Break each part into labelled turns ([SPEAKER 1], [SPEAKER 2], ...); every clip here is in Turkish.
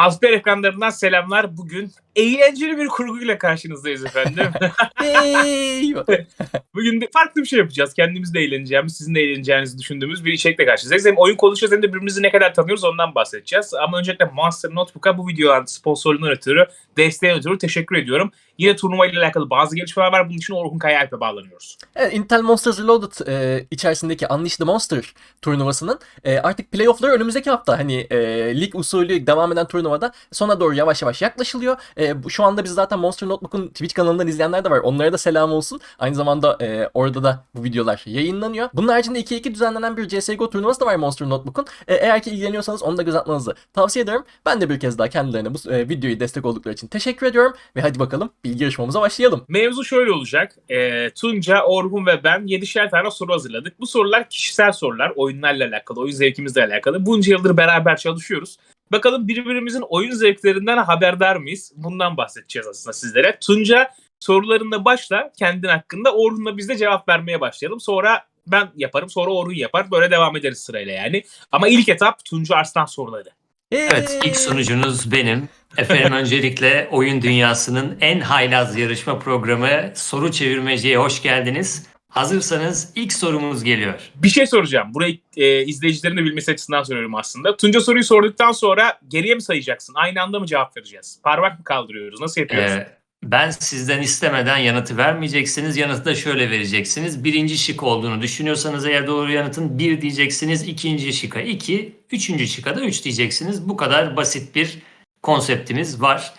[SPEAKER 1] Mousepad ekranlarından selamlar. Bugün eğlenceli bir kurguyla karşınızdayız efendim.
[SPEAKER 2] Eyvah.
[SPEAKER 1] Bugün de farklı bir şey yapacağız. Kendimiz de eğleneceğimiz, sizin de eğleneceğinizi düşündüğümüz bir içerikle karşınızdayız. Hem oyun konuşacağız hem de birbirimizi ne kadar tanıyoruz ondan bahsedeceğiz. Ama öncelikle Monster Notebook'a bu videoların sponsorluğundan ötürü, desteğinden ötürü teşekkür ediyorum. Yine turnuva ile alakalı bazı gelişmeler var. Bunun için Orhun Kayaalp'e bağlanıyoruz.
[SPEAKER 2] Evet, Intel Monsters Reloaded içerisindeki Unleash the Monster turnuvasının artık playoff'ları önümüzdeki hafta lig usulü devam eden turnuvada sona doğru yavaş yavaş yaklaşılıyor. Şu anda biz zaten Monster Notebook'un Twitch kanalından izleyenler de var. Onlara da selam olsun. Aynı zamanda orada da bu videolar yayınlanıyor. Bunun haricinde 2-2 düzenlenen bir CSGO turnuvası da var Monster Notebook'un. Eğer ki ilgileniyorsanız onu da göz atmanızı tavsiye ederim. Ben de bir kez daha kendilerine bu videoyu destek oldukları için teşekkür ediyorum. Ve hadi bakalım bilgi yarışmamıza başlayalım.
[SPEAKER 1] Mevzu şöyle olacak. Tunca, Orhun ve ben 7'şer tane soru hazırladık. Bu sorular kişisel sorular. Oyunlarla alakalı, oyun zevkimizle alakalı. Bunca yıldır beraber çalışıyoruz. Bakalım birbirimizin oyun zevklerinden haberdar mıyız? Bundan bahsedeceğiz aslında sizlere. Tunca sorularında başla kendin hakkında. Orhun'la biz de cevap vermeye başlayalım. Sonra ben yaparım, sonra Orhun yapar. Böyle devam ederiz sırayla yani. Ama ilk etap Tunca Arslan soruları.
[SPEAKER 3] Evet, ilk sunucunuz benim. Efendim öncelikle oyun dünyasının en haylaz yarışma programı Soru Çevirmeci'ye hoş geldiniz. Hazırsanız ilk sorumuz geliyor.
[SPEAKER 1] Bir şey soracağım. Burayı izleyicilerin de bilmesi açısından soruyorum aslında. Tunca soruyu sorduktan sonra geriye mi sayacaksın? Aynı anda mı cevap vereceğiz? Parmak mı kaldırıyoruz? Nasıl yapıyoruz?
[SPEAKER 3] Ben sizden istemeden yanıtı vermeyeceksiniz. Yanıtı da şöyle vereceksiniz. Birinci şık olduğunu düşünüyorsanız eğer doğru yanıtın 1 diyeceksiniz. İkinci şıka 2, üçüncü şıka da 3 diyeceksiniz. Bu kadar basit bir konseptimiz var.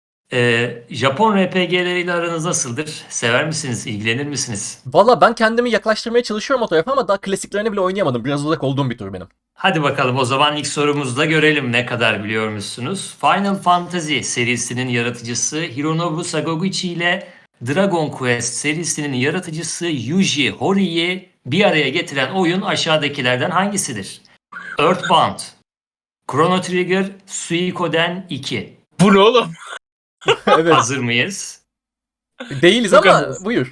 [SPEAKER 3] Japon RPG'leriyle aranız nasıldır? Sever misiniz? İlgilenir misiniz?
[SPEAKER 2] Valla ben kendimi yaklaştırmaya çalışıyorum o tarafa ama daha klasiklerini bile oynayamadım. Biraz uzak olduğum bir tür benim.
[SPEAKER 3] Hadi bakalım o zaman ilk sorumuzda görelim ne kadar biliyormuşsunuz. Final Fantasy serisinin yaratıcısı Hironobu Sakaguchi ile Dragon Quest serisinin yaratıcısı Yuji Hori'yi bir araya getiren oyun aşağıdakilerden hangisidir? Earthbound, Chrono Trigger, Suikoden 2.
[SPEAKER 1] Bu ne oğlum?
[SPEAKER 2] Evet.
[SPEAKER 3] Hazır mıyız?
[SPEAKER 2] Değiliz
[SPEAKER 1] Çok
[SPEAKER 2] ama
[SPEAKER 1] hazırız.
[SPEAKER 2] buyur.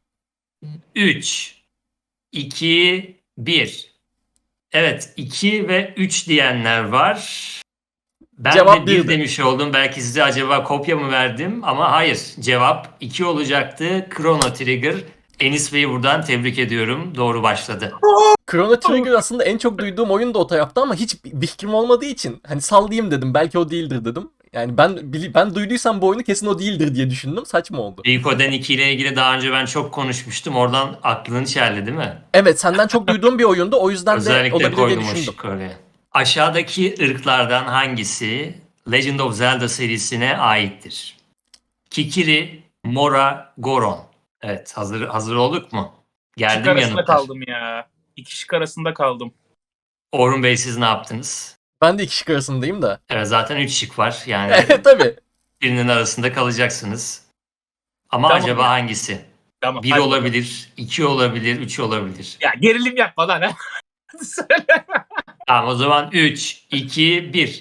[SPEAKER 3] 3, 2, 1. Evet 2 ve 3 diyenler var. Ben
[SPEAKER 2] Cevap
[SPEAKER 3] de 1
[SPEAKER 2] birdi.
[SPEAKER 3] demiş oldum. Belki size acaba kopya mı verdim? Ama hayır. Cevap 2 olacaktı. Chrono Trigger. Enis Bey'i buradan tebrik ediyorum. Doğru başladı.
[SPEAKER 2] Chrono Trigger aslında en çok duyduğum oyun da o tarafta ama hiç bir fikrim olmadığı için hani sallayayım dedim. Belki o değildir dedim. Yani ben duyduysam bu oyunu kesin o değildir diye düşündüm. Saçma oldu.
[SPEAKER 3] Suikoden 2 ile ilgili daha önce ben çok konuşmuştum. Oradan aklını çeldi değil mi?
[SPEAKER 2] Evet, senden çok duyduğum bir oyundu. O yüzden de
[SPEAKER 3] Özellikle
[SPEAKER 2] olabilir diye
[SPEAKER 3] koydum o
[SPEAKER 2] düşündüm.
[SPEAKER 3] şıkkı oraya. Aşağıdaki ırklardan hangisi Legend of Zelda serisine aittir? Kikiri, Mora, Goron. Evet, hazır olduk mu?
[SPEAKER 1] Şık
[SPEAKER 3] Geldim
[SPEAKER 1] arasında
[SPEAKER 3] yanıtlar.
[SPEAKER 1] kaldım ya. İki şık arasında kaldım.
[SPEAKER 3] Orhun Bey siz ne yaptınız?
[SPEAKER 2] Ben de iki şık arasındayım da.
[SPEAKER 3] Evet zaten 3 şık var. Yani
[SPEAKER 2] Tabii.
[SPEAKER 3] birinin arasında kalacaksınız. Ama
[SPEAKER 1] Tamam
[SPEAKER 3] acaba
[SPEAKER 1] ya.
[SPEAKER 3] hangisi?
[SPEAKER 1] Tamam.
[SPEAKER 3] 1
[SPEAKER 1] hadi
[SPEAKER 3] olabilir, 2 olabilir, 3 olabilir.
[SPEAKER 1] bakalım. Ya gerilim yapma lan. Hadi söyle.
[SPEAKER 3] Tamam o zaman 3, 2, 1.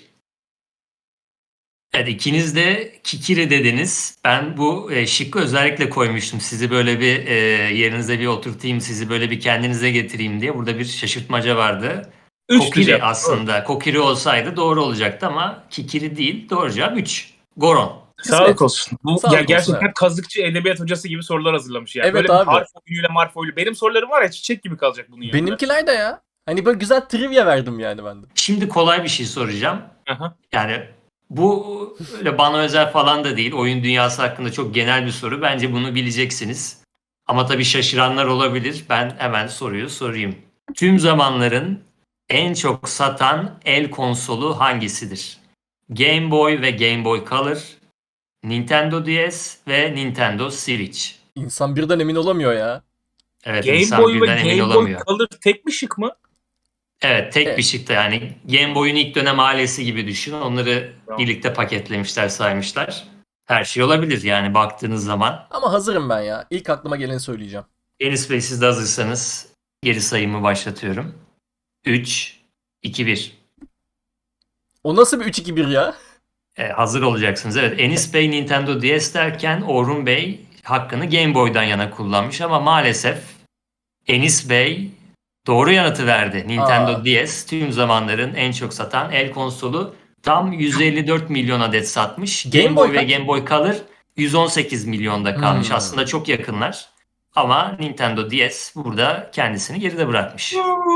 [SPEAKER 3] Evet ikiniz de Kikiri dediniz. Ben bu şıkkı özellikle koymuştum. Sizi böyle bir yerinize bir oturtayım, sizi böyle bir kendinize getireyim diye. Burada bir şaşırtmaca vardı.
[SPEAKER 1] 3
[SPEAKER 3] Kokiri
[SPEAKER 1] diyeceğim.
[SPEAKER 3] aslında. Kokiri olsaydı doğru olacaktı ama Kikiri değil. Doğru cevap 3. Goron.
[SPEAKER 1] Sağlık olsun. Bu
[SPEAKER 2] Sağlık
[SPEAKER 1] ya
[SPEAKER 2] olsun,
[SPEAKER 1] gerçekten
[SPEAKER 2] evet.
[SPEAKER 1] kazıkçı edebiyat hocası gibi sorular hazırlamış ya.
[SPEAKER 2] Evet
[SPEAKER 1] Böyle
[SPEAKER 2] abi.
[SPEAKER 1] bir harf oyunuyla marf oyunu. Benim sorularım var ya çiçek gibi kalacak bunun yanında.
[SPEAKER 2] Benimkiler de ya. Hani böyle güzel trivia verdim yani ben de.
[SPEAKER 3] Şimdi kolay bir şey soracağım.
[SPEAKER 1] Aha.
[SPEAKER 3] Yani bu öyle bana özel falan da değil. Oyun dünyası hakkında çok genel bir soru. Bence bunu bileceksiniz. Ama tabii şaşıranlar olabilir. Ben hemen soruyu sorayım. Tüm zamanların en çok satan el konsolu hangisidir? Game Boy ve Game Boy Color, Nintendo DS ve Nintendo Switch.
[SPEAKER 2] İnsan birden emin olamıyor ya.
[SPEAKER 3] Evet
[SPEAKER 1] Game
[SPEAKER 3] insan
[SPEAKER 1] Boy ve
[SPEAKER 3] birden emin
[SPEAKER 1] Game Boy
[SPEAKER 3] olamıyor.
[SPEAKER 1] Color tek mi şık mı?
[SPEAKER 3] Evet tek
[SPEAKER 2] Evet.
[SPEAKER 3] bir şıkta yani Game Boy'un ilk dönem ailesi gibi düşün. Onları
[SPEAKER 1] Tamam.
[SPEAKER 3] birlikte paketlemişler saymışlar. Her şey olabilir yani baktığınız zaman.
[SPEAKER 2] Ama hazırım ben ya. İlk aklıma geleni söyleyeceğim.
[SPEAKER 3] Enis Bey siz de hazırsanız geri sayımı başlatıyorum. 3, 2, 1.
[SPEAKER 2] O nasıl bir 3-2-1 ya?
[SPEAKER 3] Hazır olacaksınız. Evet Enis Bey Nintendo DS derken Orhun Bey hakkını Game Boy'dan yana kullanmış ama maalesef Enis Bey doğru yanıtı verdi. Nintendo DS tüm zamanların en çok satan el konsolu. Tam 154 milyon adet satmış.
[SPEAKER 2] Game
[SPEAKER 3] Game
[SPEAKER 2] Boy
[SPEAKER 3] Boy ve
[SPEAKER 2] kaç?
[SPEAKER 3] Game Boy Color 118 milyonda kalmış.
[SPEAKER 2] Hmm.
[SPEAKER 3] Aslında çok yakınlar. Ama Nintendo DS burada kendisini geride bırakmış.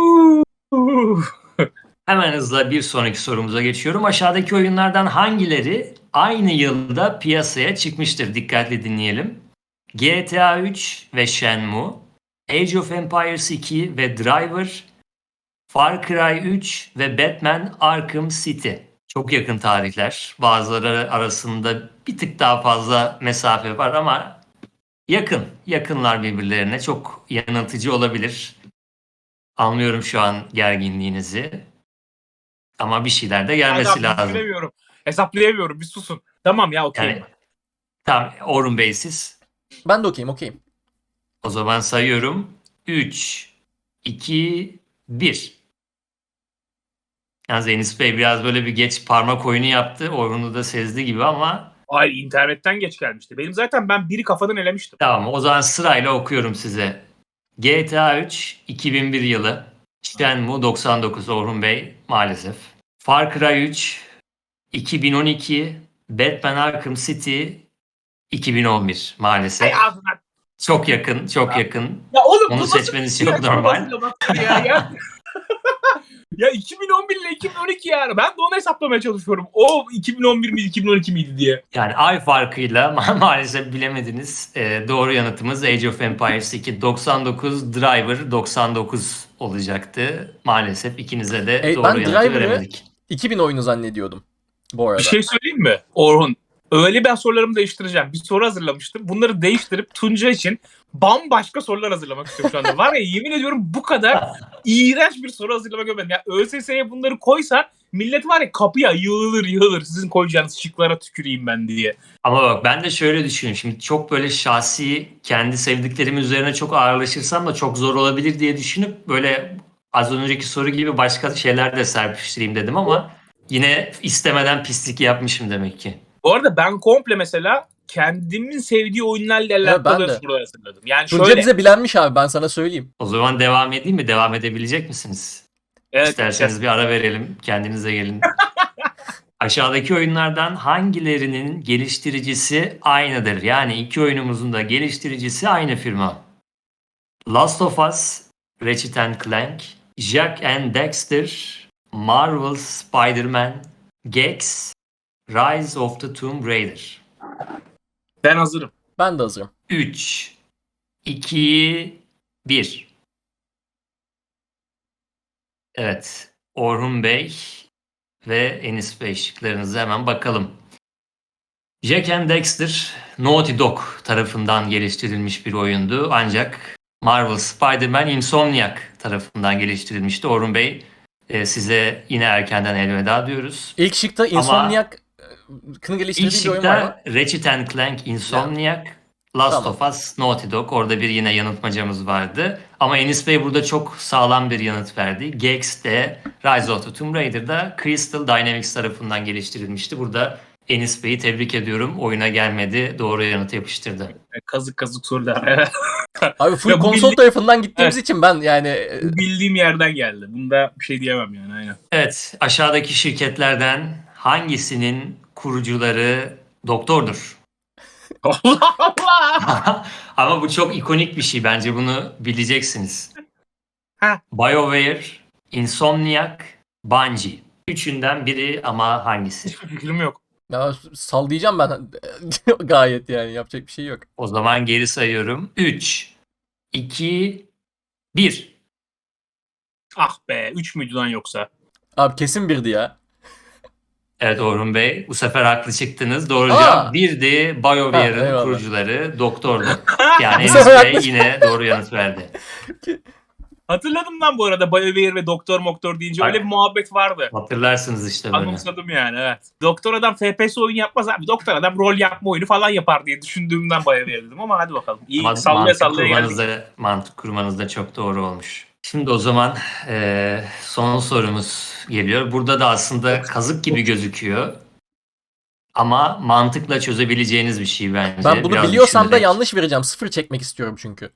[SPEAKER 3] Hemen hızla bir sonraki sorumuza geçiyorum. Aşağıdaki oyunlardan hangileri aynı yılda piyasaya çıkmıştır? Dikkatli dinleyelim. GTA 3 ve Shenmue, Age of Empires 2 ve Driver, Far Cry 3 ve Batman Arkham City. Çok yakın tarihler. Bazıları arasında bir tık daha fazla mesafe var ama yakın. Yakınlar birbirlerine. Çok yanıltıcı olabilir. Anlıyorum şu an gerginliğinizi. Ama bir şeyler de gelmesi
[SPEAKER 1] Adam,
[SPEAKER 3] lazım.
[SPEAKER 1] düşünemiyorum. Hesaplayamıyorum. Bir susun. Tamam ya, okey.
[SPEAKER 3] Yani tam Orhun Bey siz.
[SPEAKER 2] Ben de okeyim.
[SPEAKER 3] O zaman sayıyorum. 3, 2, 1. Yalnız Enis Bey biraz böyle bir geç parmak oyunu yaptı. Orhun'u da sezdi gibi ama
[SPEAKER 1] Ay, internetten geç gelmişti. Benim zaten ben biri kafadan elemiştim.
[SPEAKER 3] tamam, o zaman sırayla okuyorum size. GTA 3 2001 yılı. Shenmue 99 Orhun Bey maalesef. Far Cry 3 2012. Batman Arkham City 2011 maalesef.
[SPEAKER 1] Ay ağzına.
[SPEAKER 3] Çok yakın, çok yakın.
[SPEAKER 1] Ya oğlum,
[SPEAKER 3] Onu
[SPEAKER 1] bu nasıl
[SPEAKER 3] seçmeniz
[SPEAKER 1] bir
[SPEAKER 3] çok
[SPEAKER 1] yaş
[SPEAKER 3] normal.
[SPEAKER 1] hazırlamaktır ya. Ya 2011 ile 2012 yani. Ben de onu hesaplamaya çalışıyorum. O 2011 miydi 2012 miydi diye.
[SPEAKER 3] Yani ay farkıyla maalesef bilemediniz. Doğru yanıtımız Age of Empires 2 99, Driver 99 olacaktı. Maalesef ikinize de doğru
[SPEAKER 2] Ben
[SPEAKER 3] yanıtı
[SPEAKER 2] Driver'ı
[SPEAKER 3] veremedik.
[SPEAKER 2] 2000 oyunu zannediyordum bu arada.
[SPEAKER 1] Bir şey söyleyeyim mi Orhun? Öyle ben sorularımı değiştireceğim. Bir soru hazırlamıştım. Bunları değiştirip Tunca için bambaşka sorular hazırlamak istiyorum şu anda. Var ya, yemin ediyorum bu kadar iğrenç bir soru hazırlamak görmedim. Ya ÖSS'ye bunları koysan millet var ya kapıya yığılır. Sizin koyacağınız şıklara tüküreyim ben diye.
[SPEAKER 3] Ama bak ben de şöyle düşünüyorum. Şimdi çok böyle şahsi kendi sevdiklerim üzerine çok ağırlaşırsam da çok zor olabilir diye düşünüp böyle az önceki soru gibi başka şeyler de serpiştireyim dedim ama yine istemeden pislik yapmışım demek ki.
[SPEAKER 1] Bu arada ben komple mesela kendimin sevdiği oyunlarla
[SPEAKER 2] Evet,
[SPEAKER 1] alakalı
[SPEAKER 2] ben de.
[SPEAKER 1] sorular hazırladım. Yani
[SPEAKER 2] Tunca
[SPEAKER 1] şöyle.
[SPEAKER 2] bize bilenmiş abi, ben sana söyleyeyim.
[SPEAKER 3] O zaman devam edeyim mi? Devam edebilecek misiniz?
[SPEAKER 1] Evet,
[SPEAKER 3] İsterseniz bir ara verelim. Kendinize gelin. Aşağıdaki oyunlardan hangilerinin geliştiricisi aynıdır? Yani iki oyunumuzun da geliştiricisi aynı firma. Last of Us, Ratchet Clank, Jak and Daxter, Marvel's Spider-Man, Gex, Rise of the Tomb Raider.
[SPEAKER 1] ben hazırım.
[SPEAKER 2] Ben de hazırım.
[SPEAKER 3] 3, 2, 1. Evet. Orhun Bey ve Enis Bey şıklarınıza hemen bakalım. Jak and Daxter, Naughty Dog tarafından geliştirilmiş bir oyundu. Ancak Marvel Spider-Man Insomniac tarafından geliştirilmişti. Orhun Bey size yine erkenden elveda diyoruz.
[SPEAKER 2] İlk şıkta Insomniac'ın geliştirdiği
[SPEAKER 3] İlk
[SPEAKER 2] bir oyun var mı?
[SPEAKER 3] şıkta Ratchet Clank Insomniac, Last
[SPEAKER 2] Tamam.
[SPEAKER 3] of Us, Naughty Dog. Orada bir yine yanıltmacamız vardı. Ama Enis Bey burada çok sağlam bir yanıt verdi. Gex de Rise of the Tomb Raider'da Crystal Dynamics tarafından geliştirilmişti. Burada Enis Bey'i tebrik ediyorum. Oyuna gelmedi. Doğru yanıtı yapıştırdı.
[SPEAKER 1] Kazık sorular.
[SPEAKER 2] Abi full
[SPEAKER 1] Ya bu
[SPEAKER 2] konsol
[SPEAKER 1] bildi-
[SPEAKER 2] tarafından gittiğimiz için ben yani
[SPEAKER 1] Bu bildiğim yerden geldi. Bunda bir şey diyemem yani, aynen.
[SPEAKER 3] Evet, aşağıdaki şirketlerden hangisinin kurucuları doktordur?
[SPEAKER 1] Allah Allah!
[SPEAKER 3] Ama bu çok ikonik bir şey. Bence bunu bileceksiniz.
[SPEAKER 1] Ha.
[SPEAKER 3] BioWare, Insomniac, Bungie. Üçünden biri ama hangisi?
[SPEAKER 1] Hiçbir fikrim yok.
[SPEAKER 2] ya sallayacağım ben gayet, yani yapacak bir şey yok.
[SPEAKER 3] O zaman geri sayıyorum. 3, 2, 1.
[SPEAKER 1] Ah be, 3 müydü lan yoksa?
[SPEAKER 2] Abi kesin birdi ya.
[SPEAKER 3] Evet Orhun Bey, bu sefer haklı çıktınız. Doğru
[SPEAKER 2] Aa!
[SPEAKER 3] cevap 1'di.
[SPEAKER 2] Ha,
[SPEAKER 3] BioWare'ın
[SPEAKER 2] eyvallah.
[SPEAKER 3] kurucuları doktordu. Yani
[SPEAKER 2] Bu
[SPEAKER 3] Enis
[SPEAKER 2] sefer
[SPEAKER 3] Bey
[SPEAKER 2] haklı.
[SPEAKER 3] yine doğru yanıt verdi.
[SPEAKER 1] Hatırladım lan bu arada, BioWare ve Doktor deyince öyle bir muhabbet vardı.
[SPEAKER 3] Hatırlarsınız işte böyle.
[SPEAKER 1] Anımsadım yani, evet. Doktor adam FPS oyun yapmaz abi. Doktor adam rol yapma oyunu falan yapar diye düşündüğümden BioWare dedim ama hadi bakalım. İyi,
[SPEAKER 3] Ama
[SPEAKER 1] sallaya geldik.
[SPEAKER 3] mantık kurmanız da çok doğru olmuş. Şimdi o zaman son sorumuz geliyor. Burada da aslında kazık gibi gözüküyor. Ama mantıkla çözebileceğiniz bir şey bence.
[SPEAKER 2] Ben bunu
[SPEAKER 3] Biraz
[SPEAKER 2] biliyorsam da
[SPEAKER 3] düşünerek.
[SPEAKER 2] yanlış vereceğim. 0 çekmek istiyorum çünkü.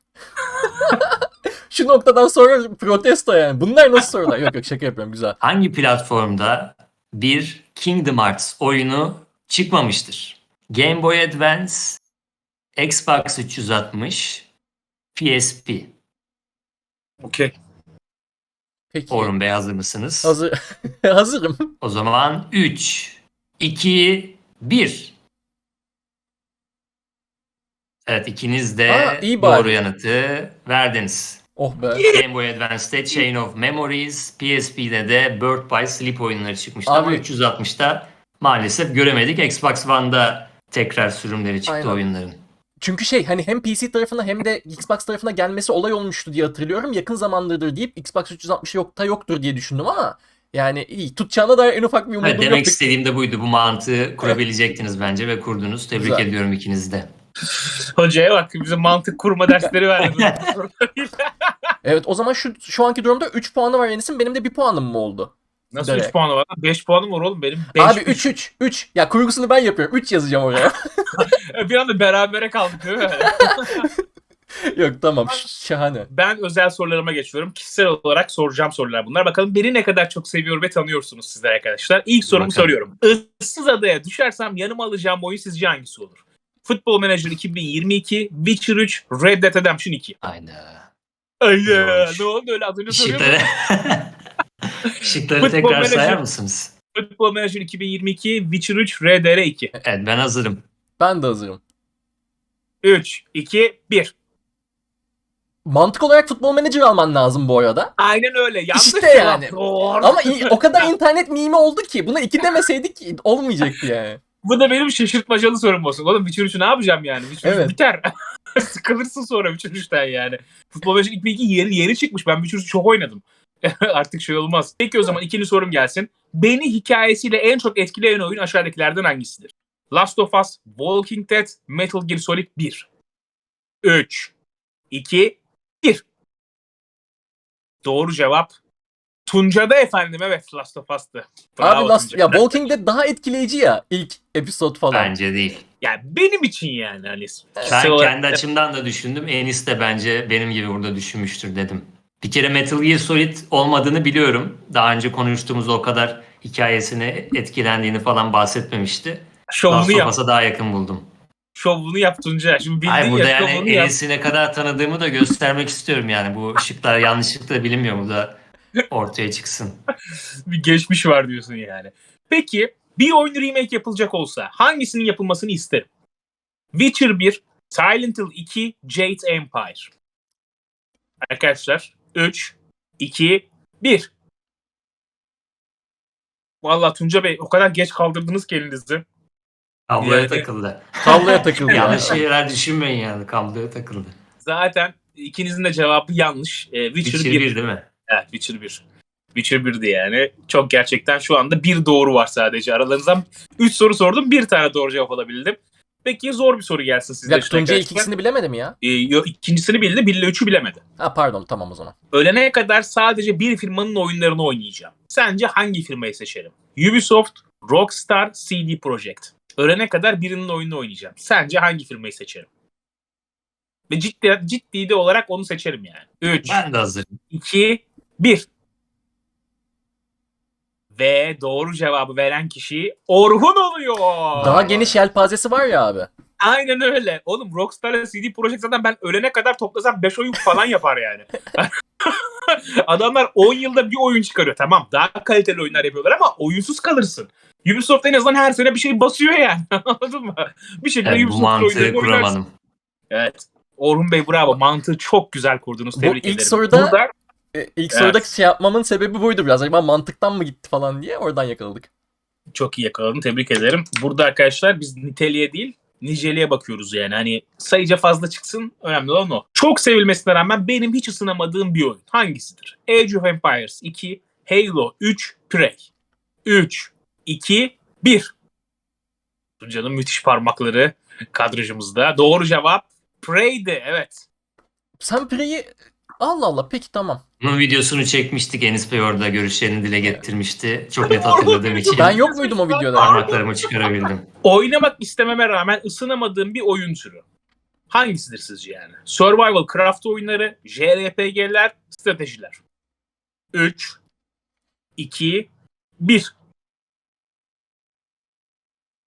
[SPEAKER 2] Şu noktadan sonra protesto yani. Bunlar nasıl sorular? Yok şaka yapıyorum, güzel.
[SPEAKER 3] Hangi platformda bir Kingdom Hearts oyunu çıkmamıştır? Game Boy Advance, Xbox 360, PSP.
[SPEAKER 1] Okey.
[SPEAKER 2] Peki.
[SPEAKER 3] Orhun Bey hazır mısınız?
[SPEAKER 2] Hazır. Hazırım.
[SPEAKER 3] O zaman 3, 2, 1. Evet, ikiniz de
[SPEAKER 2] İyi
[SPEAKER 3] doğru
[SPEAKER 2] bari.
[SPEAKER 3] yanıtı verdiniz.
[SPEAKER 2] Oh be.
[SPEAKER 3] Game Boy Advance'de Chain of Memories, PSP'de de Birth by Sleep oyunları çıkmıştı ama
[SPEAKER 2] Abi-
[SPEAKER 3] 360'ta maalesef göremedik. Xbox One'da tekrar sürümleri çıktı
[SPEAKER 2] Aynen.
[SPEAKER 3] oyunların.
[SPEAKER 2] Çünkü hani hem PC tarafına hem de Xbox tarafına gelmesi olay olmuştu diye hatırlıyorum. Yakın zamandır deyip Xbox 360 yoktur diye düşündüm ama yani iyi. Tutacağına dair en ufak bir umudum
[SPEAKER 3] Evet, demek
[SPEAKER 2] yoktu.
[SPEAKER 3] istediğim de buydu. Bu mantığı kurabilecektiniz bence ve kurdunuz. Tebrik
[SPEAKER 2] Güzel.
[SPEAKER 3] ediyorum ikinizi de.
[SPEAKER 1] Hocaya bak, bize mantık kurma dersleri verdi.
[SPEAKER 2] Evet, o zaman şu anki durumda 3 puanı var Enis'in. Benim de 1 puanım mı oldu?
[SPEAKER 1] Nasıl
[SPEAKER 2] Evet.
[SPEAKER 1] 3 puanı var? 5 puanım var oğlum benim. 5,
[SPEAKER 2] Abi 3. Ya kurgusunu ben yapıyorum. 3 yazacağım oraya.
[SPEAKER 1] Bir anda berabere kaldık değil mi?
[SPEAKER 2] Yok tamam, şahane.
[SPEAKER 1] Ben özel sorularıma geçiyorum. Kişisel olarak soracağım sorular bunlar. Bakalım beni ne kadar çok seviyor ve tanıyorsunuz sizler arkadaşlar. İlk sorumu
[SPEAKER 3] Bakalım.
[SPEAKER 1] soruyorum. Issız adaya düşersem yanıma alacağım oyun sizce hangisi olur? Football Manager 2022, Witcher 3, Red Dead Redemption 2.
[SPEAKER 3] Hayda.
[SPEAKER 1] Ayda.
[SPEAKER 3] Zormuş.
[SPEAKER 1] Ne oldu öyle az önce soruyordum.
[SPEAKER 3] Şıkları, şıkları
[SPEAKER 1] Futbol
[SPEAKER 3] tekrar
[SPEAKER 1] menajer.
[SPEAKER 3] sayar mısınız?
[SPEAKER 1] Football Manager 2022, Witcher 3, RDR 2.
[SPEAKER 3] Evet, ben hazırım.
[SPEAKER 2] Ben de hazırım.
[SPEAKER 1] 3, 2, 1.
[SPEAKER 2] Mantık olarak Futbol Manager alman lazım bu arada.
[SPEAKER 1] Aynen öyle. Yanlış
[SPEAKER 2] İşte
[SPEAKER 1] cevap.
[SPEAKER 2] yani.
[SPEAKER 1] Doğru.
[SPEAKER 2] Ama o kadar internet mimi oldu ki buna 2 demeseydik olmayacaktı yani.
[SPEAKER 1] Bu da benim şaşırtmacalı sorum olsun. Oğlum Witcher 3'ü ne yapacağım yani? Witcher 3
[SPEAKER 2] Evet.
[SPEAKER 1] biter. Sıkılırsın sonra Witcher 3'ten yani. Futbol Manager 2002 yeri çıkmış. Ben Witcher 3'ü çok oynadım. Artık şey olmaz. Peki o zaman ikinci sorum gelsin. Beni hikayesiyle en çok etkileyen oyun aşağıdakilerden hangisidir? Last of Us, Walking Dead, Metal Gear Solid 1. 3, 2, 1. Doğru cevap Tunca'da efendim. Evet, Last of Us'tı. Bravo
[SPEAKER 2] Abi
[SPEAKER 1] Tunca.
[SPEAKER 2] ya Walking Dead daha etkileyici ya ilk episod falan.
[SPEAKER 3] Bence değil.
[SPEAKER 1] Yani benim için yani hani.
[SPEAKER 3] Ben kendi açımdan da düşündüm. Enis de bence benim gibi burada düşünmüştür dedim. Bir kere Metal Gear Solid olmadığını biliyorum. Daha önce konuştuğumuz o kadar hikayesine etkilendiğini falan bahsetmemişti.
[SPEAKER 1] Şovunu
[SPEAKER 3] Last of
[SPEAKER 1] yap.
[SPEAKER 3] Us'a daha yakın buldum.
[SPEAKER 1] Şovunu yap Tunca. Şimdi bildin
[SPEAKER 3] Hayır, burada
[SPEAKER 1] ya
[SPEAKER 3] yani
[SPEAKER 1] şovunu yap.
[SPEAKER 3] Enis'i ne kadar tanıdığımı da göstermek istiyorum yani. Bu şıklar yanlışlıkla bilinmiyor mu da ortaya çıksın.
[SPEAKER 1] Bir geçmiş var diyorsun yani. Peki bir oyun remake yapılacak olsa hangisinin yapılmasını isterim? Witcher 1, Silent Hill 2, Jade Empire. Arkadaşlar 3, 2, 1. Vallahi Tunca Bey o kadar geç kaldırdınız ki elinizi.
[SPEAKER 3] Kabloya
[SPEAKER 1] Yani-
[SPEAKER 2] Kabloya
[SPEAKER 3] takıldı.
[SPEAKER 2] takıldı ya.
[SPEAKER 3] Yanlış şeyler düşünmeyin yani. Kabloya takıldı.
[SPEAKER 1] Zaten ikinizin de cevabı yanlış. Witcher
[SPEAKER 3] Witcher
[SPEAKER 1] 1.
[SPEAKER 3] 1 değil mi?
[SPEAKER 1] Evet, Witcher 1. Witcher 1'di yani. Çok gerçekten şu anda bir doğru var sadece. Aralarınızdan 3 soru sordum. Bir tane doğru cevap alabildim. Peki zor bir soru gelsin
[SPEAKER 2] Bir
[SPEAKER 1] sizler
[SPEAKER 2] dakika,
[SPEAKER 1] için
[SPEAKER 2] Tuncay ilk
[SPEAKER 1] arkadaşlar.
[SPEAKER 2] ikisini bilemedi mi ya?
[SPEAKER 1] İkincisini bildi. 1 ile 3'ü bilemedi.
[SPEAKER 2] Ha pardon, tamam o zaman.
[SPEAKER 1] Ölene kadar sadece bir firmanın oyunlarını oynayacağım. Sence hangi firmayı seçerim? Ubisoft, Rockstar, CD Projekt. Ölene kadar birinin oyununu oynayacağım. Sence hangi firmayı seçerim? Ve ciddi de olarak onu seçerim yani. 3,
[SPEAKER 3] Ben de hazırım.
[SPEAKER 1] 2, 1. Ve doğru cevabı veren kişi Orhun oluyor.
[SPEAKER 2] Daha geniş yelpazesi var ya abi.
[SPEAKER 1] Aynen öyle. Oğlum Rockstar'la CD Projekt zaten ben ölene kadar toplasam 5 oyun falan yapar yani. Adamlar 10 yılda bir oyun çıkarıyor. Tamam, daha kaliteli oyunlar yapıyorlar ama oyunsuz kalırsın. Ubisoft en azından her sene bir şey basıyor yani. Anladın mı? Bir şekilde
[SPEAKER 3] Evet, bu
[SPEAKER 1] Ubisoft
[SPEAKER 3] mantığı
[SPEAKER 1] oyunlarını oynarsın.
[SPEAKER 3] kuramadım.
[SPEAKER 1] Evet. Orhun Bey bravo. Mantığı çok güzel kurdunuz.
[SPEAKER 2] Bu
[SPEAKER 1] Tebrik
[SPEAKER 2] ilk
[SPEAKER 1] ederim.
[SPEAKER 2] soruda-
[SPEAKER 1] Burada
[SPEAKER 2] İlk
[SPEAKER 1] Evet.
[SPEAKER 2] soruda şey yapmamın sebebi buydu biraz. Acaba mantıktan mı gitti falan diye oradan yakaladık.
[SPEAKER 1] çok iyi yakaladın. Tebrik ederim. Burada arkadaşlar biz niteliğe değil niceliğe bakıyoruz yani. Hani sayıca fazla çıksın. Önemli olan o. Çok sevilmesine rağmen benim hiç ısınamadığım bir oyun. Hangisidir? Age of Empires 2, Halo 3, Prey. 3, 2, 1. Tunca'nın müthiş parmakları kadrajımızda. Doğru cevap Prey'di. Evet.
[SPEAKER 2] Sen Prey'i... Allah Allah, peki tamam.
[SPEAKER 3] Bunun videosunu çekmiştik. Enis Bey orada görüşlerini dile getirmişti. Çok net hatırladığım için
[SPEAKER 2] Ben yok muydum o videoda?
[SPEAKER 3] parmaklarımı çıkarabildim.
[SPEAKER 1] Oynamak istememe rağmen ısınamadığım bir oyun türü. Hangisidir sizce yani? Survival craft oyunları, JRPG'ler, stratejiler. 3, 2, 1.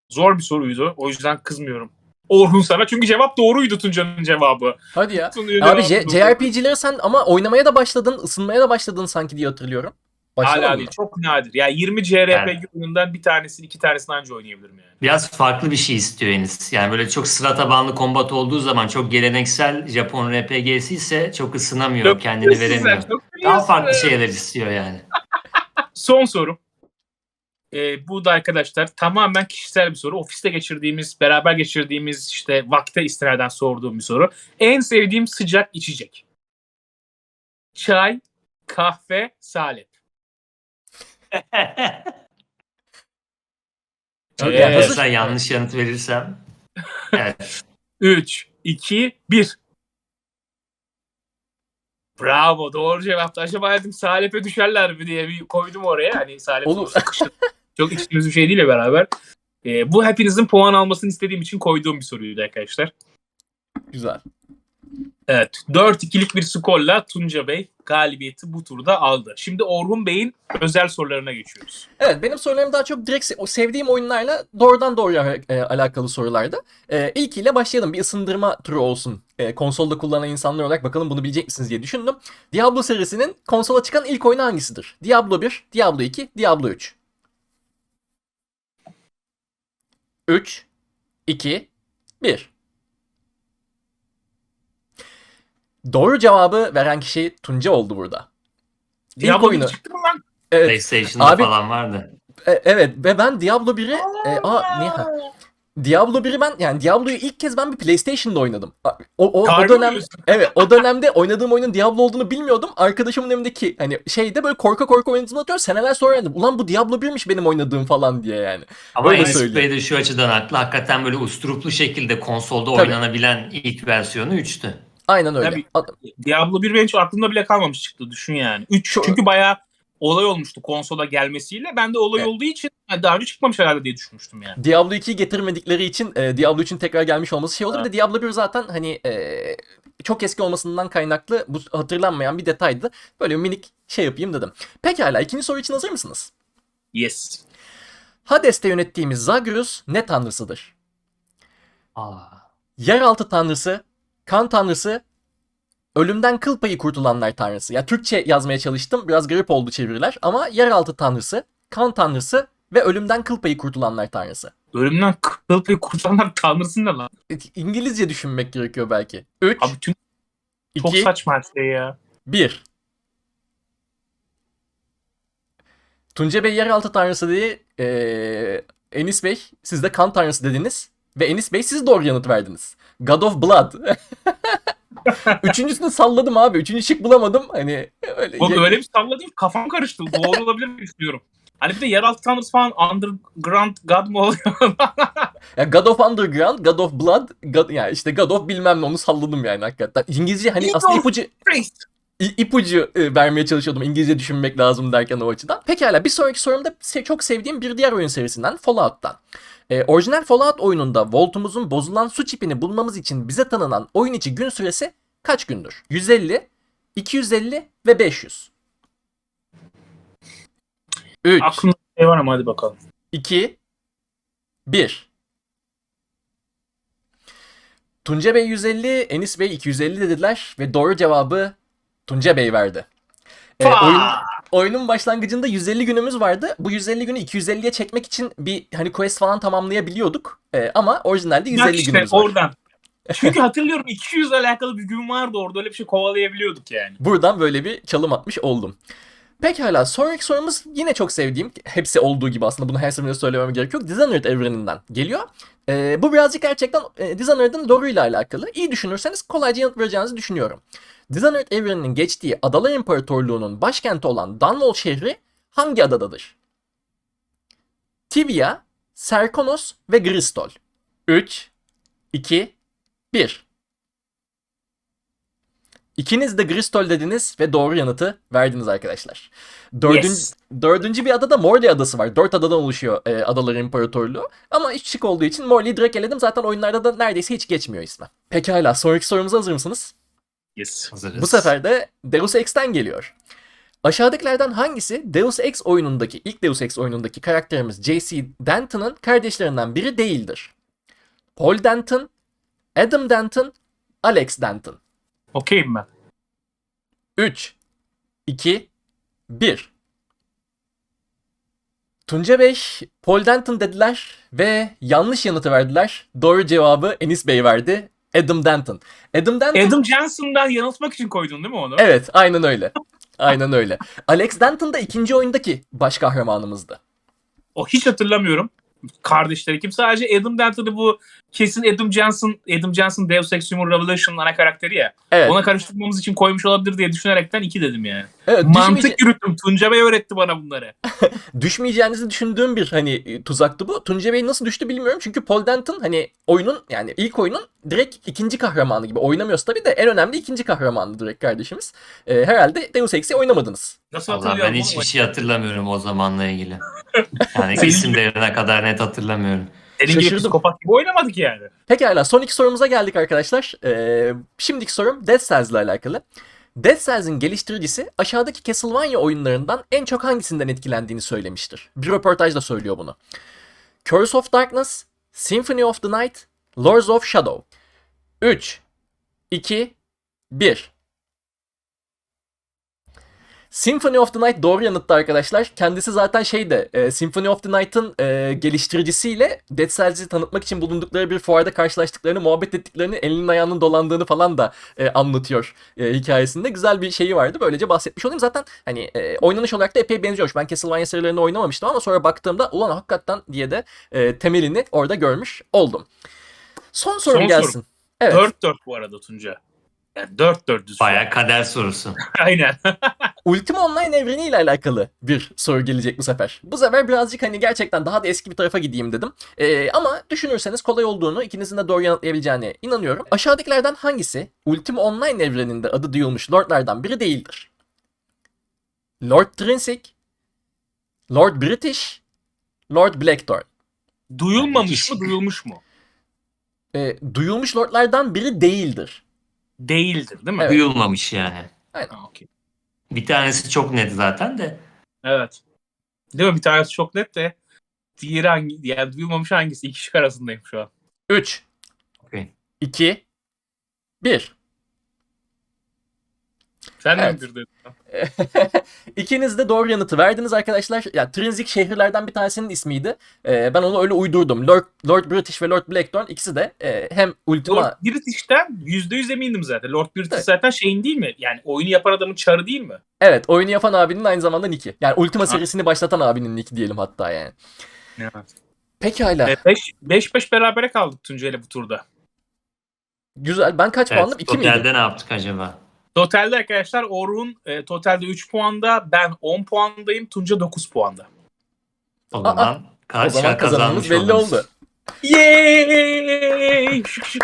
[SPEAKER 1] Zor bir soruydu. O yüzden kızmıyorum. Orhun sana. Çünkü cevap doğruydu, Tunca'nın cevabı.
[SPEAKER 2] Hadi ya.
[SPEAKER 1] Tunca'nın
[SPEAKER 2] Abi
[SPEAKER 1] cevabı doğru.
[SPEAKER 2] JRPG'leri sen ama oynamaya da başladın, ısınmaya da başladın sanki diye hatırlıyorum. Başlamadın
[SPEAKER 1] Hala
[SPEAKER 2] mı?
[SPEAKER 1] değil. Çok nadir. Yani 20 JRPG oyunundan bir tanesini, 2 tanesini anca oynayabilirim yani.
[SPEAKER 3] Biraz farklı bir şey istiyor Enis. Yani böyle çok sıra tabanlı kombat olduğu zaman çok geleneksel Japon RPG'si ise çok ısınamıyor,
[SPEAKER 1] Çok
[SPEAKER 3] kendini
[SPEAKER 1] biliyorsun sen,
[SPEAKER 3] veremiyor.
[SPEAKER 1] çok
[SPEAKER 3] Daha
[SPEAKER 1] biliyorsun.
[SPEAKER 3] farklı şeyler istiyor yani.
[SPEAKER 1] Son sorum. Bu da arkadaşlar tamamen kişisel bir soru. Ofiste geçirdiğimiz, beraber geçirdiğimiz işte vakte istinaden sorduğum bir soru. En sevdiğim sıcak içecek. Çay, kahve, salep.
[SPEAKER 2] Çok
[SPEAKER 1] Evet.
[SPEAKER 2] hazır.
[SPEAKER 3] Sen yanlış yanıt verirsem. Evet.
[SPEAKER 1] 3, 2, 1. Bravo, doğru cevaptı. Acaba dedim salepe düşerler mi diye bir koydum oraya. Hani salep
[SPEAKER 2] Olur.
[SPEAKER 1] sonuçta kışın çok içtiğimiz bir şey değil beraber. Bu hepinizin puan almasını istediğim için koyduğum bir soruydu arkadaşlar.
[SPEAKER 2] Güzel.
[SPEAKER 1] Evet, 4-2'lik bir skorla Tunca Bey galibiyeti bu turda aldı. Şimdi Orhun Bey'in özel sorularına geçiyoruz.
[SPEAKER 2] Evet, benim sorularım daha çok direkt o sevdiğim oyunlarla doğrudan doğruya alakalı sorulardı. İlkiyle başlayalım. Bir ısındırma turu olsun. Konsolda kullanan insanlar olarak bakalım bunu bilecek misiniz diye düşündüm. Diablo serisinin konsola çıkan ilk oyunu hangisidir? Diablo 1, Diablo 2, Diablo 3. 3, 2, 1. Doğru cevabı veren kişi Tunca oldu burada.
[SPEAKER 1] Diablo
[SPEAKER 2] oyunu.
[SPEAKER 1] 1 çıktı mı lan?
[SPEAKER 2] Evet.
[SPEAKER 3] PlayStation'da
[SPEAKER 2] Abi-
[SPEAKER 3] falan vardı.
[SPEAKER 2] Evet ve ben Diablo 1'i Diablo 1'i ben yani Diablo'yu ilk kez ben bir PlayStation'da oynadım. O
[SPEAKER 1] Harbi
[SPEAKER 2] dönem
[SPEAKER 1] diyorsun.
[SPEAKER 2] evet o dönemde oynadığım oyunun Diablo olduğunu bilmiyordum. Arkadaşımın evindeki hani şeyde böyle korka korka oynadığını hatırlıyorum. Seneler sonra öğrendim. Ulan bu Diablo 1'miş benim oynadığım falan diye yani.
[SPEAKER 3] Ama
[SPEAKER 2] Öyle
[SPEAKER 3] Enis
[SPEAKER 2] söyleyeyim.
[SPEAKER 3] Bey de şu açıdan haklı. Hakikaten böyle usturuplu şekilde konsolda
[SPEAKER 2] Tabii.
[SPEAKER 3] oynanabilen ilk versiyonu 3'tü.
[SPEAKER 2] Aynen öyle.
[SPEAKER 1] Tabii. Diablo 1 benim hiç aklımda bile kalmamış çıktı, düşün yani. 3
[SPEAKER 2] Çok-
[SPEAKER 1] çünkü bayağı olay olmuştu konsola gelmesiyle. Ben de olay
[SPEAKER 2] Evet.
[SPEAKER 1] olduğu için daha önce çıkmamış herhalde diye düşünmüştüm yani.
[SPEAKER 2] Diablo 2'yi getirmedikleri için Diablo 3'ün tekrar gelmiş olması şey oldu. Bir de Diablo 1 zaten hani çok eski olmasından kaynaklı bu hatırlanmayan bir detaydı. Böyle bir minik şey yapayım dedim. Pekala ikinci soru için hazır mısınız?
[SPEAKER 1] Yes.
[SPEAKER 2] Hades'te yönettiğimiz Zagreus ne tanrısıdır?
[SPEAKER 3] Aa.
[SPEAKER 2] Yeraltı tanrısı, kan tanrısı, ölümden kıl payı kurtulanlar tanrısı. Ya Türkçe yazmaya çalıştım. Biraz garip oldu çeviriler. Ama yeraltı tanrısı, kan tanrısı ve ölümden kıl payı kurtulanlar tanrısı.
[SPEAKER 1] Ölümden kıl payı kurtulanlar tanrısı ne lan?
[SPEAKER 2] İngilizce düşünmek gerekiyor belki. 3,
[SPEAKER 1] Abi çok
[SPEAKER 2] 2,
[SPEAKER 1] saçma her şey ya.
[SPEAKER 2] 1. Tunca Bey yeraltı tanrısı diye Enis Bey siz de kan tanrısı dediniz. Ve Enis Bey siz doğru yanıt verdiniz. God of Blood. Üçüncüsünü salladım abi. Üçüncü şık bulamadım. Hani öyle.
[SPEAKER 1] Oğlum öyle bir salladım, kafam karıştı. Doğru olabilir mi düşünüyorum. Hani bir de yeraltı tanrısı falan, underground god mı oluyor?
[SPEAKER 2] Ya God of Underground, God of Blood, yani işte God of bilmem ne onu salladım yani hakikaten. İngilizce hani aslında ipucu vermeye çalışıyordum. İngilizce düşünmek lazım derken o açıdan. Pekala bir sonraki sorumda çok sevdiğim bir diğer oyun serisinden Fallout'tan. Orijinal Fallout oyununda Vault'umuzun bozulan su çipini bulmamız için bize tanınan oyun içi gün süresi kaç gündür? 150, 250 ve 500. 3,
[SPEAKER 1] Aklımda bir şey var ama hadi bakalım.
[SPEAKER 2] 2, 1. Tunca Bey 150, Enis Bey 250 dediler ve doğru cevabı Tunca Bey verdi. Oyunun başlangıcında 150 günümüz vardı. Bu 150 günü 250'ye çekmek için bir hani quest falan tamamlayabiliyorduk. Ama orijinalde 150
[SPEAKER 1] Bak işte
[SPEAKER 2] günümüz var.
[SPEAKER 1] oradan. Çünkü hatırlıyorum 200 ile alakalı bir gün vardı orada, öyle bir şey kovalayabiliyorduk yani.
[SPEAKER 2] Buradan böyle bir çalım atmış oldum. Pekala sonraki sorumuz yine çok sevdiğim, hepsi olduğu gibi aslında bunu her seferinde söylemem gerek yok. Dishonored evreninden geliyor. Bu birazcık gerçekten Dishonored'ın lore'uyla alakalı. İyi düşünürseniz kolayca yanıt vereceğinizi düşünüyorum. Dishonored evreninin geçtiği Adalar İmparatorluğu'nun başkenti olan Dunwall şehri hangi adadadır? Tivia, Serkonos ve Gristol. 3, 2, 1. İkiniz de Gristol dediniz ve doğru yanıtı verdiniz arkadaşlar. Dördüncü bir adada Morley adası var. 4 adadan oluşuyor Adalar İmparatorluğu. Ama iş şık olduğu için Morley'i direkt eledim. Zaten oyunlarda da neredeyse hiç geçmiyor ismi. Pekala sonraki sorumuza hazır mısınız?
[SPEAKER 1] Yes.
[SPEAKER 3] Hazırız.
[SPEAKER 2] Bu sefer de Deus Ex'ten geliyor. Aşağıdakilerden hangisi Deus Ex oyunundaki, ilk Deus Ex oyunundaki karakterimiz J.C. Denton'ın kardeşlerinden biri değildir? Paul Denton, Adam Denton, Alex Denton.
[SPEAKER 1] Okeyim ben.
[SPEAKER 2] 3, 2, 1. Tunca Bey, Paul Denton dediler ve yanlış yanıtı verdiler. Doğru cevabı Enis Bey verdi. Adam Denton. Adam Denton...
[SPEAKER 1] Adam Johnson'dan yanıltmak için koydun değil mi onu?
[SPEAKER 2] Evet, aynen öyle. Aynen öyle. Alex Denton da ikinci oyundaki baş kahramanımızdı.
[SPEAKER 1] O hiç hatırlamıyorum. Kardeşleri kim? Sadece Adam Denton'ı bu kesin Adam Johnson Deus Ex Human Revolution'ın ana karakteri ya.
[SPEAKER 2] Evet.
[SPEAKER 1] Ona karıştırmamız için koymuş olabilir diye düşünerekten 2 dedim yani.
[SPEAKER 2] Evet,
[SPEAKER 1] Mantık yürüttüm. Tunca Bey öğretti bana bunları.
[SPEAKER 2] düşmeyeceğinizi düşündüğüm bir tuzaktı bu. Tunca Bey nasıl düştü bilmiyorum. Çünkü Paul Denton hani oyunun, yani ilk oyunun direkt ikinci kahramanı gibi. Oynamıyoruz tabii de en önemli ikinci kahramanı direkt kardeşimiz. Herhalde Deus Ex'i oynamadınız.
[SPEAKER 1] Nasıl
[SPEAKER 3] Vallahi
[SPEAKER 1] hatırlıyorum?
[SPEAKER 3] ben
[SPEAKER 1] ama
[SPEAKER 3] hiçbir şey hatırlamıyorum o zamanla ilgili. Yani
[SPEAKER 1] Senin
[SPEAKER 3] isimlerine kadar net hatırlamıyorum.
[SPEAKER 1] Senin gibi
[SPEAKER 2] Şaşırdım.
[SPEAKER 1] psikopat gibi oynamadık yani.
[SPEAKER 2] Pekala, son iki sorumuza geldik arkadaşlar. Şimdiki sorum Dead Cells ile alakalı. Dead Cells'in geliştiricisi aşağıdaki Castlevania oyunlarından en çok hangisinden etkilendiğini söylemiştir. Bir röportajda söylüyor bunu. Curse of Darkness, Symphony of the Night, Lords of Shadow. 3, 2, 1. Symphony of the Night doğru yanıttı arkadaşlar. Kendisi zaten Symphony of the Night'ın geliştiricisiyle Dead Cells'i tanıtmak için bulundukları bir fuarda karşılaştıklarını, muhabbet ettiklerini, elinin ayağının dolandığını falan da anlatıyor hikayesinde. Güzel bir şeyi vardı. Böylece bahsetmiş olayım. Zaten hani oynanış olarak da epey benziyormuş. Ben Castlevania serilerini oynamamıştım ama sonra baktığımda ulan hakikaten diye de temelini orada görmüş oldum. Son sorum gelsin.
[SPEAKER 1] Sorum.
[SPEAKER 2] Evet.
[SPEAKER 1] 4-4 bu arada Tunca. Yani 4-4 düz.
[SPEAKER 3] Bayağı kader sorusu.
[SPEAKER 1] Aynen.
[SPEAKER 2] Ultima Online evreniyle alakalı bir soru gelecek bu sefer. Bu sefer birazcık hani gerçekten daha da eski bir tarafa gideyim dedim. Ama düşünürseniz kolay olduğunu, ikinizin de doğru yanıtlayabileceğine inanıyorum. Aşağıdakilerden hangisi Ultima Online evreninde adı duyulmuş lordlardan biri değildir? Lord Trinsic, Lord British, Lord Blackthorn.
[SPEAKER 1] Duyulmamış mı, duyulmuş mu?
[SPEAKER 2] Duyulmuş lordlardan biri değildir.
[SPEAKER 1] Değildir değil mi?
[SPEAKER 2] Evet.
[SPEAKER 3] Duyulmamış yani.
[SPEAKER 1] Ha, okey.
[SPEAKER 3] Bir tanesi çok net zaten de.
[SPEAKER 1] Evet. Değil mi? Bir tanesi çok net de diğeri hangi? Yani duyulmamış hangisi? İki şık arasındayım şu an.
[SPEAKER 2] 3,
[SPEAKER 3] Okay.
[SPEAKER 2] 2, 1.
[SPEAKER 1] Sen
[SPEAKER 2] Evet.
[SPEAKER 1] de mi bir dedin?
[SPEAKER 2] İkiniz de doğru yanıtı verdiniz arkadaşlar. Ya Trinsic şehirlerden bir tanesinin ismiydi. Ben onu öyle uydurdum. Lord British ve Lord Blackthorn ikisi de hem Ultima...
[SPEAKER 1] Lord British'ten %100 emindim zaten. Lord British
[SPEAKER 2] Evet.
[SPEAKER 1] zaten şeyin değil mi? Yani oyunu yapan adamın çarı değil mi?
[SPEAKER 2] Evet, oyunu yapan abinin aynı zamanda nick'i. Yani Ultima
[SPEAKER 1] Ha.
[SPEAKER 2] serisini başlatan abinin nick'i diyelim hatta yani.
[SPEAKER 1] Evet.
[SPEAKER 2] Pekala.
[SPEAKER 1] 5-5 berabere kaldık Tunca ile bu turda.
[SPEAKER 2] Güzel. Ben kaç puandım?
[SPEAKER 3] Evet,
[SPEAKER 2] 2 miydim?
[SPEAKER 3] totalde ne yaptık acaba?
[SPEAKER 1] Totalde arkadaşlar Orhun totalde 3 puanda, ben 10 puandayım, Tunca 9 puanda.
[SPEAKER 3] O zaman
[SPEAKER 2] O zaman kazanımız belli oldu.
[SPEAKER 1] Yay!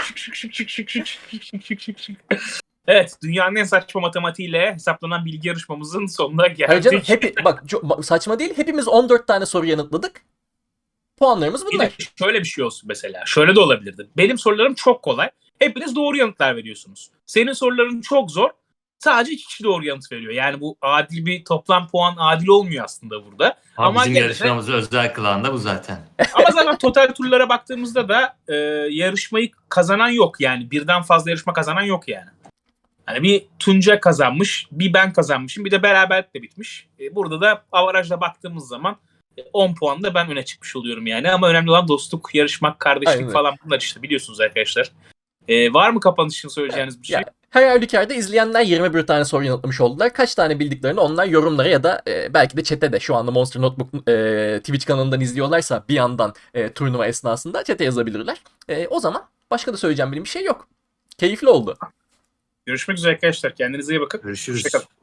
[SPEAKER 1] Evet, dünyanın en saçma matematiğiyle hesaplanan bilgi yarışmamızın sonuna
[SPEAKER 2] Hayır canım,
[SPEAKER 1] geldik.
[SPEAKER 2] bak saçma değil. Hepimiz 14 tane soru yanıtladık. Puanlarımız
[SPEAKER 1] Bir de
[SPEAKER 2] bunlar.
[SPEAKER 1] şöyle bir şey olsun mesela. Şöyle de olabilirdi. Benim sorularım çok kolay. Hepiniz doğru yanıtlar veriyorsunuz. Senin soruların çok zor. Sadece 2 kişi doğru yanıt veriyor. Yani bu adil bir toplam puan adil olmuyor aslında burada.
[SPEAKER 3] Ama bizim
[SPEAKER 1] gene de-
[SPEAKER 3] yarışmamızı özel kılan da bu zaten.
[SPEAKER 1] Ama zaten total turlara baktığımızda da yarışmayı kazanan yok. Yani birden fazla yarışma kazanan yok yani. Hani bir Tunca kazanmış, bir ben kazanmışım, bir de beraberlikle bitmiş. Burada da avarajla baktığımız zaman 10 puanla ben öne çıkmış oluyorum yani. Ama önemli olan dostluk, yarışmak, kardeşlik
[SPEAKER 2] Aynen.
[SPEAKER 1] falan bunlar işte biliyorsunuz arkadaşlar. Var mı kapanış için söyleyeceğiniz bir şey?
[SPEAKER 2] Ya, her halükarda izleyenler 21 tane soru yanıtlamış oldular. Kaç tane bildiklerini onlar yorumlara ya da belki de chat'e de, şu anda Monster Notebook Twitch kanalından izliyorlarsa bir yandan turnuva esnasında chat'e yazabilirler. O zaman başka da söyleyeceğim bir şey yok. Keyifli oldu.
[SPEAKER 1] Görüşmek üzere arkadaşlar. Kendinize iyi bakın.
[SPEAKER 3] Görüşürüz.
[SPEAKER 1] Hoşçakalın.